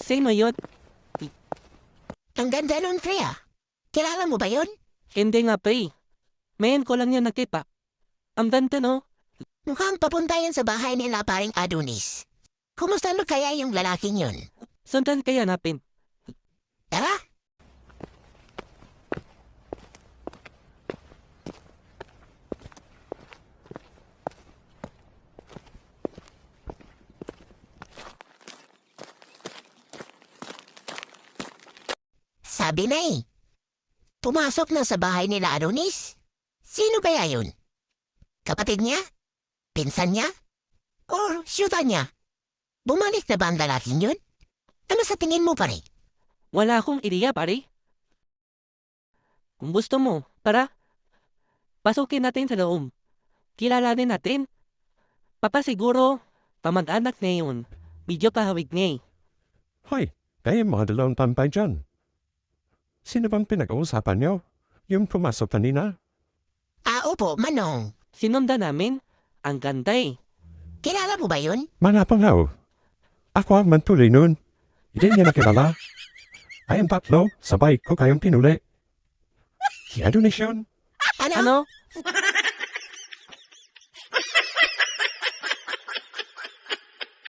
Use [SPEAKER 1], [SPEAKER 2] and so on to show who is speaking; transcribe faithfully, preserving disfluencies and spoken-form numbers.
[SPEAKER 1] Sino yun?
[SPEAKER 2] Ang ganda nun, pre ah. Kilala mo ba yun?
[SPEAKER 1] Hindi nga pre. Mayan ko lang yan nakita. Ang ganda no?
[SPEAKER 2] Mukhang papunta yan sa bahay nila paring Adonis. Kumusta no kaya yung lalaking yun?
[SPEAKER 1] Sundan kaya napin.
[SPEAKER 2] Tara! Sabi na eh. Pumasok na sa bahay nila Adonis? Sino kaya yun? Kapatid niya? Pinsan niya? Or syuta niya? Bumalik na ba ang lalaking yun? Ano sa tingin mo pare?
[SPEAKER 1] Wala akong ideya pare. Kung gusto mo, tara. Pasukin natin sa loob. Kilalanin natin. Papa siguro, pamag-anak na yun. Medyo kahawig niya eh.
[SPEAKER 3] Hoy, kayo mga dalawang tampay dyan. Sino bang pinag-uusapan niyo? Yung pumasok kanina?
[SPEAKER 2] Ah, opo, Manong.
[SPEAKER 1] Sinundan namin. Ang ganda eh.
[SPEAKER 2] Kilala mo ba yun?
[SPEAKER 3] Manapangaw. Ako ang mantuloy nun. Hindi niya nakilala. Kayong tatlo, sabay ko kayong pinuli. Si Adonis yun.
[SPEAKER 2] Ano?
[SPEAKER 1] Ano?